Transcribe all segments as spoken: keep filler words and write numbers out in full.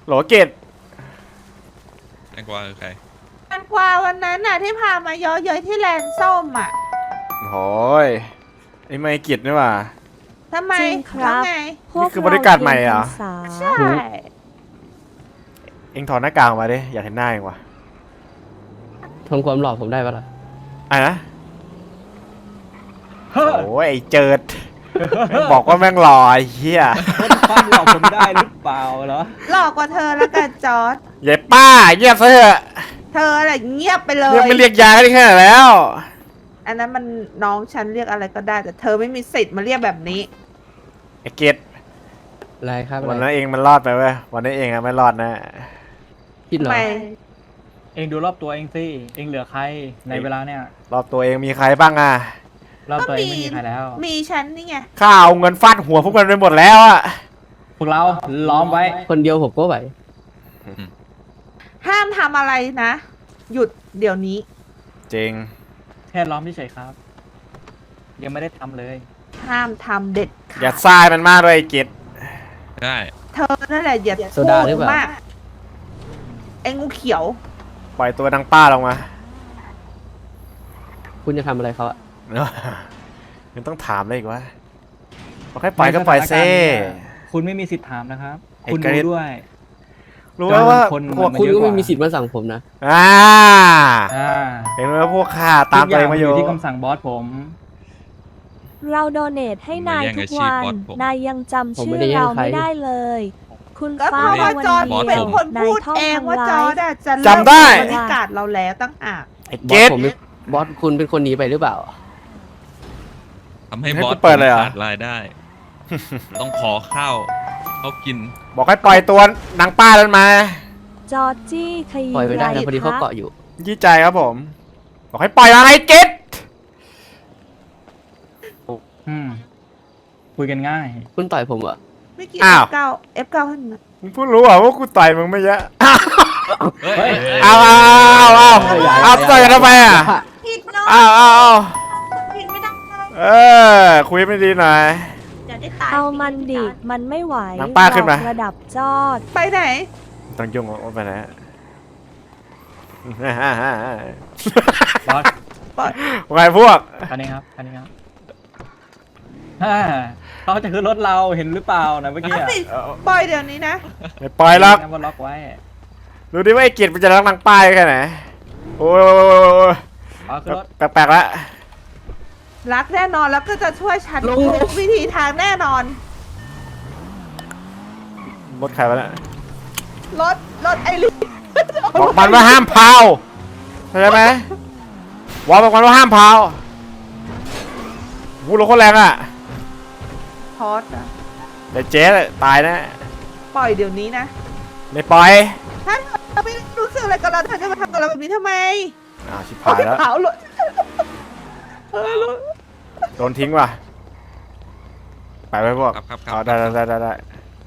โหลเกตแตงกวาคือใครแตงกวาวันนั้นน่ะที่พามาเยอะเย้ยที่แลนด์ส้มอ่ะโอ้ยไอ้ไม่เกียรตินี่หว่าทำไมจริงครับแล้วไงนี่คือบริการใหม่เหรอใช่เอ็งถอดหน้ากากออกมาดิอยากเห็นหน้าเองว่ะทำความหล่อผมได้ปะล่ะอ่ะนะโอ้ยไอ้เจิดบอกว่าแม่งหล่อไอ้เหี้ยความหลอกผมได้หรือเปล่าเหรอหลอกกว่าเธอแล้วกันจอร์ดยายป้าเงียบซะเถอะเธออะไรเงียบไปเลยเรียกไม่เรียกยาได้แค่ไหนแล้วอันนั้นมันน้องฉันเรียกอะไรก็ได้ แต่เธอไม่มีสิทธิ์มาเรียกแบบนี้ไอ้เกตอะไรครับวันอะไรนั้นเองมันรอดไปเว้ยวันนี้เองอะไม่รอดนะคิดเหรอไม่เองดูรอบตัวเองสิเองเหลือใครในเวลาเนี่ยรอบตัวเองมีใครบ้างอะรอบตัวเองไม่มีใครแล้วมีฉันนี่ไงข้าเอาเงินฟาดหัวพวกมันไปหมดแล้วอะพวกเราล้อมไว้คนเดียวผมก็ไหวห้ามทำอะไรนะ หยุดเดี๋ยวนี้จริงแค่ล้อมเฉยๆครับ ยังไม่ได้ทำเลยห้ามทำเด็ดขาดอย่าทรายมันมากเลยไอ้เกตได้เธอนั่นแหละอย่าโซดาหรือเปล่ามากไอ้งูเขียวปล่อยตัวนางป้าลงมาคุณจะทำอะไรเขาอะยังต้องถามเลยอีกว่าบอกให้ปล่อยก็ปล่อยเซ่คุณไม่มีสิทธิ์ถามนะครับไอ้คุณเกรรู้ดด้วยรู้ไหมว่าคนพวกมันคุณเยอะก็กว่าไม่มีสิทธิ์มาสั่งผมนะอ่าอ่าเห็นไหมว่าพวกข้าตามตัวเองมาอยู่ทุกที่คำสั่งบอสผมเราโดเนทให้นายทุกวัน นายยังจำชื่อเราไม่ได้เลย คุณก็เพฟ้าราะว่าวันจอร์ดเดีเป็นยวคนนายพูดท่องเองว่าทำจอร้าร์ยดอะจะจำได้บริการเราแล้วตั้งหากไอ้บเกอสตผมไม่บอสคุณเป็นคนหนีไปหรือเปล่าทำให้ให้บอกูสเปิดเลยเหรอขาดรายได้ ต้องขอข้าวเขากินบอกให้ปล่อยตัวนางป้านั้นมาจอร์จี้ขยี้ปล่อยไปได้ไรนะพอดีเขาคะเกาะอยู่ยี่ใจครับผม บอกให้ปล่อยมาไอ้เกตอืมคุยกันง่ายคุณต่อยผมเหรอไม่กี่อ้าวเอฟเก้า เอฟเก้าให้มันมึงเพิ่งรู้เหรอว่ากูต่อยมึงไม่เยอะเฮ้ยเอาเอาเอาเอาเอาต่อยกันทำไมอ่ะผิดเนาะเอาเอาเอาผิดไม่ได้เออคุยไม่ดีหน่อยเดี๋ยวได้ตายเอามันดิมันไม่ไหวน้ำป้าขึ้นมาหลอกระดับจอดไปไหนต้องยุ่งว่าไปไหนบอสไงพวกคันนี้ครับคันนี้ครับฮ่าเขาจะขึ้นรถเราเห็นหรือเปล่านะเมื่อกี้อะปล่อยเดี๋ยวนี้นะไม่ปล่อยหรอกงั้นว่าล็อกไว้ดูดิว่าไอ้เกียรติมันจะรักนางป้ายแค่ไหนโอ้ยเอาขึ้นรถแปลกๆแล้วรักแน่นอนแล้วก็จะช่วยฉันทุกวิธีทางแน่นอนรถใครวะเนี่ยรถ รถไอริสบอกมันว่าห้ามเผาเข้าใจไหมวอลบอกมันว่าห้ามเผาพูดรถโคตรแรงอ่ะพอสอะแต่เจ๊ตายนะปล่อยเดี๋ยวนี้นะไม่ปล่อยถ้าเธอไม่รู้สึกอะไรกับเราเธอจะมาทำกับเราแบบนี้ทำไมอ้าวชิบหายแล้วเผารถเออรถโดนทิ้งว่ะไปไปพวกครับครับครัเอาบได้ได้ได้ได้ได้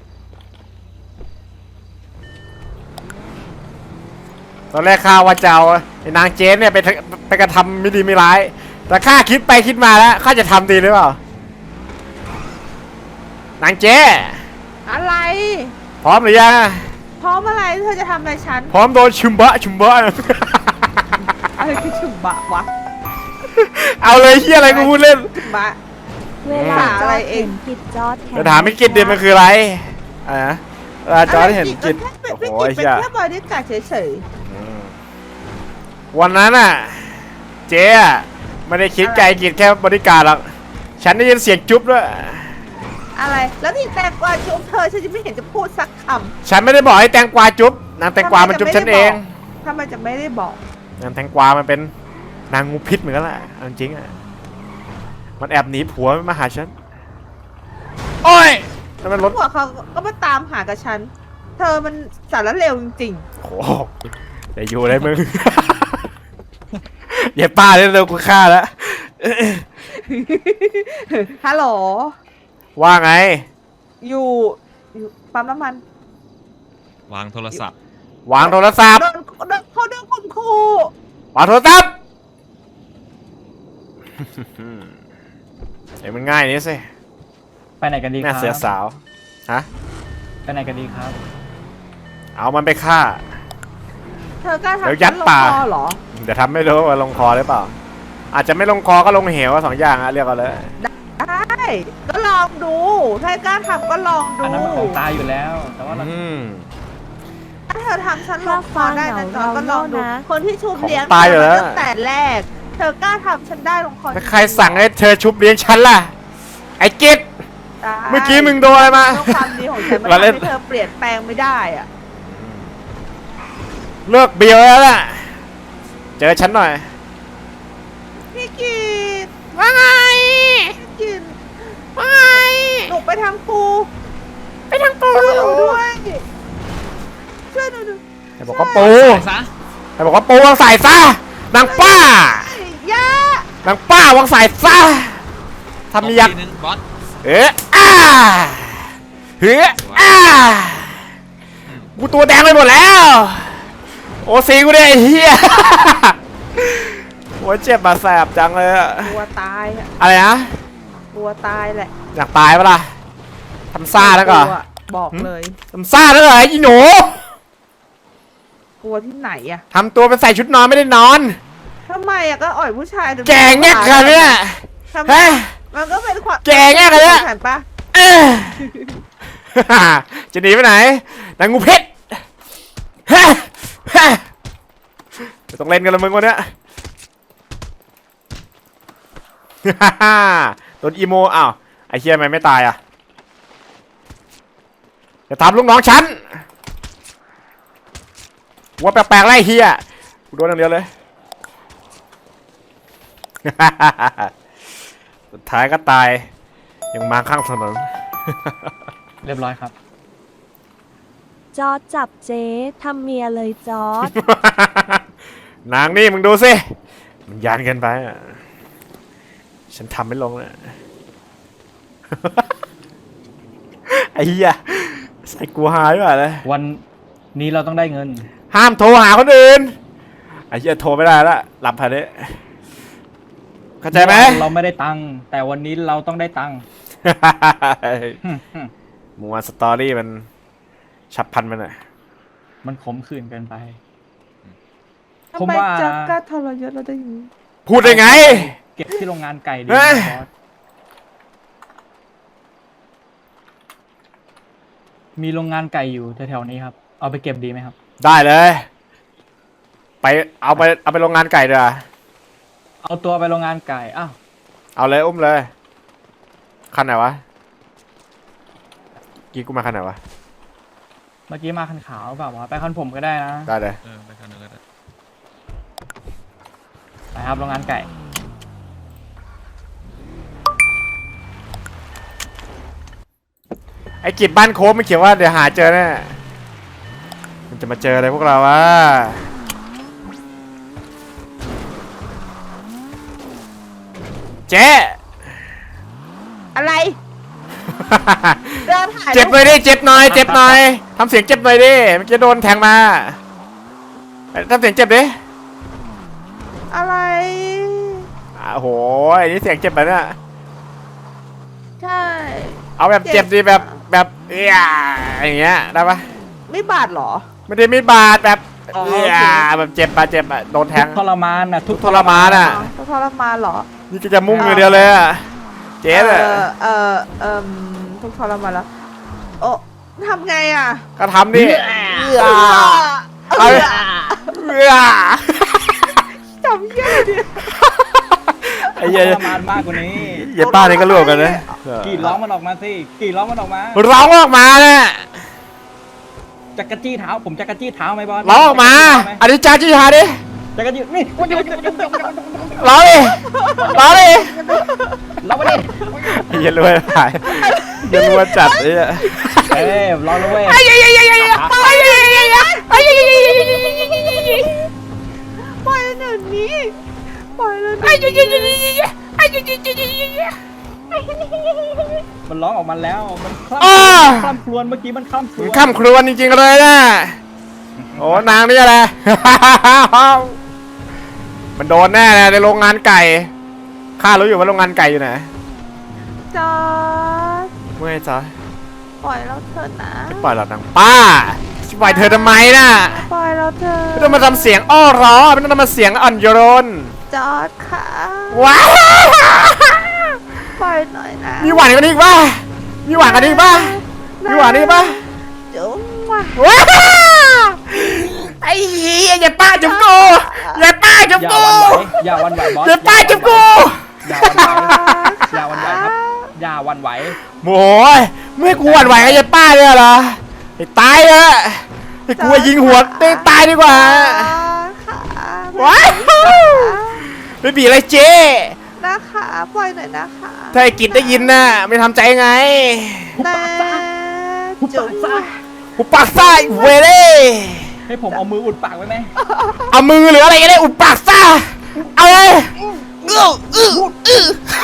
ตอนแรกข้าว่าจะเอาไอ้นางเจ๊เนี่ยไปทำไปกระทำไม่ดีไม่ร้าย แต่ข้าคิดไปคิดมาแล้วข้าจะทำดีหรือเปล่านางเจ๊อะไรพร้อมหรือยังพร้อมอะไรเธอจะทำอะไรฉันพร้อมโดนชุมบะชุมบะอะไรคือฉุบะวะเอาเลยเฮียอะไรกูพูดเล่นฉุบะเวลาจอะไรอดเอเห็งนผิดจอดแข็งจะถามไม่กินเดียมันคืออะไรอ่ะเวลาจอร์จเห็นกินโอ้โอ้โหโหไอ้เป็นเหี้ยแค่บริการเฉยอืมวันนั้นอ่ะ เจ๊อะไม่ได้คิดไกลกินแค่บริการหรอกฉันได้ยินเสียงจุ๊บด้วยๆอะไร แล้วที่แตงกวาจุ๊บเธอฉันจะไม่เห็นจะพูดสักคำฉันไม่ได้บอกให้แตงกวาจุ๊บนางแตงกวามันจุ๊บฉันเองทำไมจะไม่ได้บอกนางแตงกวามันเป็นนางงูพิษเหมือนกันแหละเอาจริงๆอ่ะมันแอบหนีผัวมาหาฉันโอ้ยแล้วมันรถพวกเขาก็มาตามหากับฉัน เธอมันสารเลวจริงโอ้โหแต่อยู่ได้มึง อย่าป้าเร็วๆกูฆ่าแล้วๆ ฮัลโหลว่าไงอยู่อยู่ปั๊มน้ำมันวางโทรศัพท์วางโทรศัพท์โดนโดนเขาโดนข่มขู่วางโทรศัพท์ เอ้ยมันง่ายนี่สิไปไหนกันดีคน่ารับเสียสาวฮะไปไหนกันดีครับเอามันไปฆ่าเธอกล้าทำเดี๋ยวยัดฉันลงป่าคอเหรอเดี๋ยวทำไม่รู้ว่าลงคอหรือเปล่า อาจจะไม่ลงคอก็ลงเหวสองอย่างอะเรียกเอาเลยได้ก็ลองดูถ้ากล้าทำก็ลองดูอันนั้นมันของตายอยู่แล้ว แต่ว่าเราอืมถ้าเธอทำฉันลถ้างคอฟังได้เหนะงาจอเราก็ลองดูนะคนที่ชุบเลี้ยงของตายอยู่แล้วเธอมาตั้งแต่แรก เธอกล้าทำฉันได้ลงคอแล้วใครสั่งให้เธอชุบเลี้ยงฉันล่ะ ไอ้กิจได้เมื่อกี้มึงโดนอะไรมาเพราะความดีของฉันมันเราทำเล่นให้เธอเปลี่ยนแปลงไม่ได้อะเลิกเบียวแล้วล่ะ เจอฉันหน่อยพี่กิตว่าไงพี่กิตว่าไงหนูไปทางปูไปทางปูช่วยหนูด้วยช่วยหนูด้วยไอ้บอกว่าปูใส่ซะไอ้บอกว่าปูวางสายซะนางป้าย่านางป้าวางสายซะทำมียักตบทีนึงบอสเอ๊ะอ้าเฮ้ยอ้ากูตัวแดงไปหมดแล้ว โอซีกูเนี่ยไอ้เหี้ยโอ้ยเจ็บมาแสบจังเลยอะกลัวตายอะอะไรนะกลัวตายแหละอยากตายปะล่ะทำซ่าแล้วก็กลัวบอกเลยทำซ่าแล้วเหรอไอ้หนูกลัวที่ไหนอะทำตัวเป็นใส่ชุดนอนไม่ได้นอนทำไมอะก็อ่อยผู้ชายดูแกงแง่กันเนี่ยทำไมเฮ้ยมันก็เป็นความแกงแง่กันเนี่ยเห็นปะเอ้ยจะหนีไปไหนนางงูเพชรเฮ้ยเฮ้ยไม่ต้องเล่นกันละมึงวันเนี้ย โดนอีโมอ้าวไอ้เฮียทำไมไม่ตายอ่ะจะทำลูกน้องฉันว่าแปลกๆไล่เฮียกูโดนอย่างเดียวเลย สุดท้ายก็ตายยังมาข้างถนนเรียบร้อยครับจอร์จจับเจ๊ทำเมียเลยจอร์จนางนี่มึงดูสิมันยานเกินไปอ่ะฉันทำไม่ลงเลย ไอ้เหี้ยใส่กูหายว่ะเลยวันนี้เราต้องได้เงินห้ามโทรหาคนอื่นไอ้เหี้ยโทรไม่ได้ละหลับภายในเข้าใจไหมเราไม่ได้ตังค์แต่วันนี้เราต้องได้ตังค์ หึหึหมูวันสตอรี่มันฉับพลันมันอ่ะมันขมขื่นเกินไปทำผมไมว่าจะกล้าทรยศเราได้อยังนี้พูดได้ไงเก็บที่โรงงานไก่ดีเฮ้ยบอสมีโรงงานไก่อยู่แถวๆนี้ครับ เอาไปเก็บดีไหมครับได้เลย ไปเอาไปเอาไปโรงงานไก่เด้อเอาตัวไปโรงงานไก่อ้าวเอาเลยอุ้มเลยคันไหนวะกี้กูมาคันไหนวะเมื่อกี้มาคันขาวเปล่าวะไปคันผมก็ได้นะได้เลยเออไปกันเลยก็ได้ไปครับโรงงานไก่ไอ้กิจบ้านโค้งมันเขียนว่าเดี๋ยวหาเจอแน่มันจะมาเจออะไรพวกเราวะเจ๊อะไรเดินถ่ายเจ็บหน่อยดิเจ็บหน่อยเจ็บหน่อยทำเสียงเจ็บหน่อยดิเมื่อกี้โดนแทงมาทำเสียงเจ็บดิอะไรอ่ะโหไอ้นี่เสียงเจ็บไปเนี่ยใช่เอาแบบเจ็บดิแบบแบบเอี้ยอย่างเงี้ยได้ปะไม่บาดเหรอไม่ได้มีดบาดแบบอ๋อเอี้ยโอเคแบบเจ็บปะเจ็บอะโดนแททุงกทรมานน่ะทุกทรมานอะอ๋อทรมานเหรอนี่ก็จะมุ่งอย่างเดียวเลยอะเจ๊เอเลยอเออเออทุกทรมานแล้ว โอ้ทำไงอ่ะก็ทำดิเอเอาอดิเอี้ยจำเหี้ยอะไรเนี่ยไอ้ทุกเหี้ยทรมานมากกว่านี้เหี้ยป้านี่ก็รวบกันนะกรีดร้องมันออกมาสิกรีดร้องมันออกมาร้องออกมาเนี่ยจักรจี้เท้าผมจักรจี้เท้าไหมบอสร้องออกมาอธิจาจีฮาดิจักรจี้นี่ร้องดิร้องดิเราไปดิไอ้เหี้ยรวยหายเหี้ยรวยจัดไอ้เหี้ยเอ้ยรอแล้วเว้ยปล่อยหนึ่งนี้ปล่อยเลยมันร้องออกมาแล้วมันคล่ำอ้าคล่ำครวญเมื่อกี้มันคล่ำครวญข้ามครวนจริงๆเลยนะโอ้นางนี่อะไร มันโดนแน่เลยในโรงงานไก่ข้ารู้อยู่ว่าโรงงานไก่อยู่ไหนจอร์จเมื่อไงจ๊ะปล่อยเราเถอะนะปล่อยเรานางป้าปล่อยเธอทำไมน่ะปล่อยเราเธอะไม่ต้องมาทำเสียงอ้อร้อไม่ต้องมาเสียงอ่อนโยนจอดค่ะว้าวปล่อยหน่อยนะมีหวานกันอีกป่ะมีหวานกันอีกป่ะมีหวานอีกป่ะจุ๊บว่ะว้าวไอ้เหี้ยอย่าป้าจุ๊บกูอย่าป้าจุ๊บอย่ากูวันไหวอย่าวันไหวบอสอย่าป้าจุ๊บกูอย่าวันไหวอย่าวันไหวครับอย่าวันไหวโอ้ยไม่ให้กูหวั่นไหวกับยายป้าเลยเหรอไอ้ตายเถอะไอ้กูยิงหัวได้ตายดีกว่าค่ะว้าวไม่บีอะไรเจ๊นะคะปล่อยหน่อยนะคะถ้าไอ้กิจได้ยินน่ะไม่ทำใจไงนะจุ๊บว่ะกูปากซ่าเวเล่ให้ผมเอามืออุดปากไว้ไหมเอามือหรืออะไรก็ได้อุดปากซ่าเอาเลยอื้ออื้ออื้อ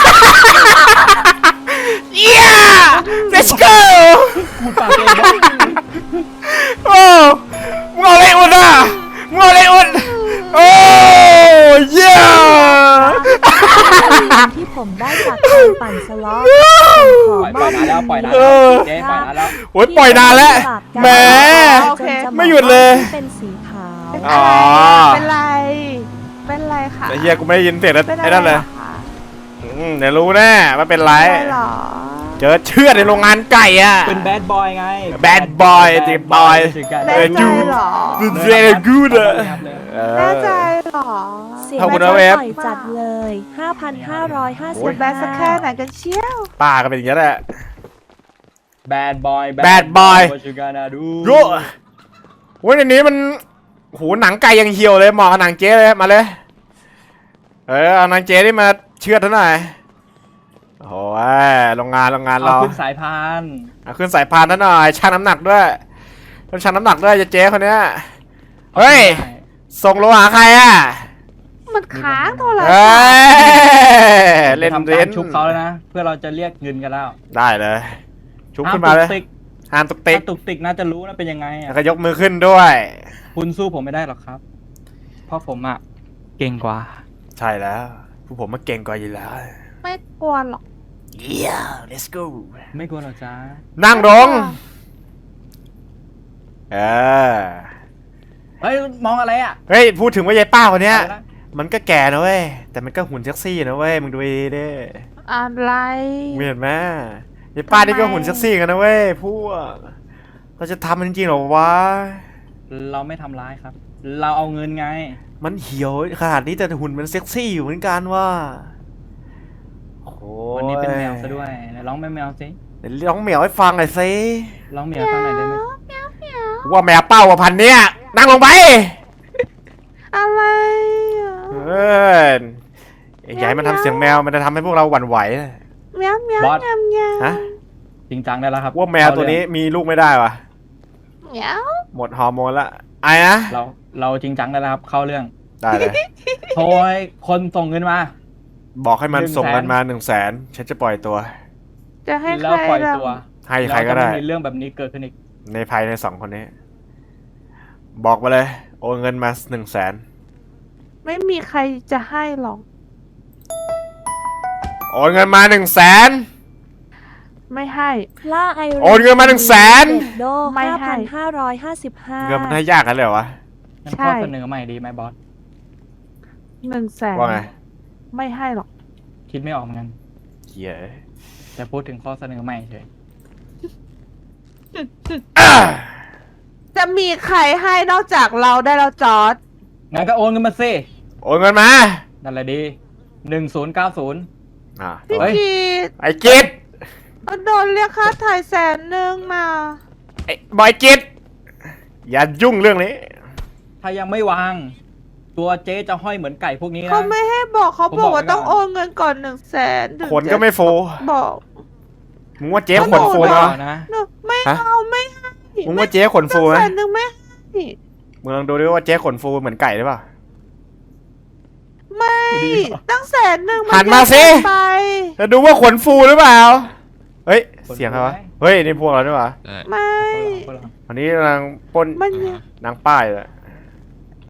yeah let's go อุดปากเองนะโอ้มึงเอาอะไรอุดอ่ะมึงเอาอะไรอุดโอ้เยี่ยมที่ผมได้จากการปั่นสล็อตขอปล่อยมปล่ออยบนานแล้วปล่อยนานแล้วเจ๊ปล่อยนานแล้วโอ้ยปล่อยนานแล้วแหม ไม่หยุดเลยเป็นสีขาวเป็นอ๋อะอไรเป็นไรเป็นไรค่ะไอ้เฮียกูไม่ได้ยินเสียงเป็นอะไอ้ไรนั่นเลยหรอคะอืมเดี๋ยวรู้แน่ว่าเป็นไรเป็นไรหรอเจอเชือดในโรงงานไก่อ่ะเป็นแบดบอยไง Bad boy จริง boy แน่ใจหรอ very good อะเอแน่อใจหรอเสียงขอบคุณแบนะดเวฟปล่อยจัดเลย ห้าพันห้าร้อยห้าสิบจะแบดสักแค่ไหนกันเชียวป้าก็เป็นอย่างนี้แหละแบดบอย Bad boy ชูการาดูโย่โอ้ยในนี้มันโหหนังไก่ยังเหี่ยวเลยเหมาะกับหนังเจ๊เลยมาเลย เออเอาหนังเจ๊นี่มาเชือดเท่าหน่อยโอ้ยโรงงานโรงงานเอาเราขึ้นสายพานเอาขึ้นสายพานเท่าหน่อยชั่งน้ำหนักด้วยต้องชั่งน้ำหนักด้วยจะเจ๊คนเนี้ยเฮ้ยส่งโลหะใครอ่ะมันค้างโทรศัพเฮ้ท์ยเล่นทำเล่การนชุบเขาแล้วนะ เพื่อเราจะเรียกเงินกันแล้วได้เลย ชุบขึ้นมาเลยตุกติกห้ามตุกติกถ้าตุกติกน่าจะรู้นะเป็นยังไงแล้วอะก็ยกมือขึ้นด้วยคุณสู้ผมไม่ได้หรอกครับ เพราะผมอะเก่งกว่าใช่แล้วผู้ผมมาเก่งกว่าอยู่แล้วไม่กลัวหรอก yeah let's go ไม่กลัวหรอกจ้านั่งลงเออเฮ้ยมองอะไรอะเฮ้ยพูดถึงว่ายายป้าคนเนี้ยอะไรนะมันก็แก่นะเว้ยแต่มันก็หุ่นเซ็กซี่นะเว้ยมึงดูดีดิอะไรมึงเห็นไหมยายป้านี่ก็หุ่นเซ็กซี่กันนะเว้ยพวกเราจะทำมันจริงๆเหรอวะเราไม่ทำร้ายครับ เราเอาเงินไงมันเหี่ยวขนาดนี้แต่หุ่นมันเซ็กซี่อยู่เหมือนกันว่าโอ้ยวันนี้เป็นแมวซะด้วยไหนร้องแมวแมวสิเดี๋ยวร้องเหมียวให้ฟังหน่อยสิร้องแมวฟังหน่อยได้ไหมว่าแมวเป้าว่าพันเนี้ยนั่งลงไปอะไรอะเอออย่าให้มันทำเสียงแมวมันจะทำให้พวกเราหวั่นไหวเมียวเมียวเมียวเมียวฮะจริงจังได้แล้วครับว่าแมวตัวนี้มีลูกไม่ได้วะเมียวหมดฮอร์โมนละไอ้นะเราเราจริงจังได้แล้วครับ เข้าเรื่องได้เลยโทรให้คนส่งเงินมาบอกให้มันหนึ่งแสนส่งกันมาหนึ่งแสนฉันจะปล่อยตัวจะให้แล้วใครปล่อยล่ะตัวให้ใครก็ได้แล้วจะม่มีเรื่องแบบนี้เกิดขึ้นอีกในภายในสองคนนี้ บอกมาเลยโอนเงินมาหนึ่งแสนไม่มีใครจะให้หรอกโอนเงินมาหนึ่งแสนไม่ให้ล่าไอโอนเงินมาหนึ่งแสนเด็กโดไม่ห้าให้พันห้าร้อยห้าสิบห้าเงินมันให้ยากกันเลยเหรอวะงั้นใช่ข้อเสนอใหม่ดีไหมบอสหนึ่งแสนว่าไงไม่ให้หรอกคิดไม่ออกเหมือนกันเหี้ยแต่พูดถึงข้อเสนอใหม่เฉยอ่ะจะมีใครให้นอกจากเราได้แล้วจอร์ดงั้นก็โอนเงินมาสิโอนเงินมานั่นแหละดีหนึ่งศูนย์เก้าศูนย์อ่ะพี่เฮ้ยกีดไอ้กิจโดนเรียกค่าถ่ายแสนหนึ่งนะไอ้บอยกิจอย่ายุ่งเรื่องนี้ถ้ายังไม่วาง ตัวเจ๊จะห้อยเหมือนไก่พวกนี้นะเขาไม่ให้บอกเขาผมบบ ออก กว่าไว้ก่อนต้องโอนเงินก่อนหนึ่งแสนถึงขนก็ไม่โฟจะบอกมึงว่าเจ๊ขนโอ้ฟูโหเหรอนะเนอะไม่ฮะเอาไม่ให้มึงว่าเจ๊ขนฟูไหมแสนหนึ่งไม่ให้มึงลองดูดิว่าเจ๊ขนฟูเหมือนไก่หรือเปล่าไม่ตั้งแสนหนึ่งหันมาสิเยอะเกินไปจะดูว่าขนฟูหรือเปล่า เฮ้ย เสียงใครวะ เฮ้ย นี่พวกเราด้วยวะได้ไม่พวกเราอันนี้นางปล้นมันยังนางป้ายเลย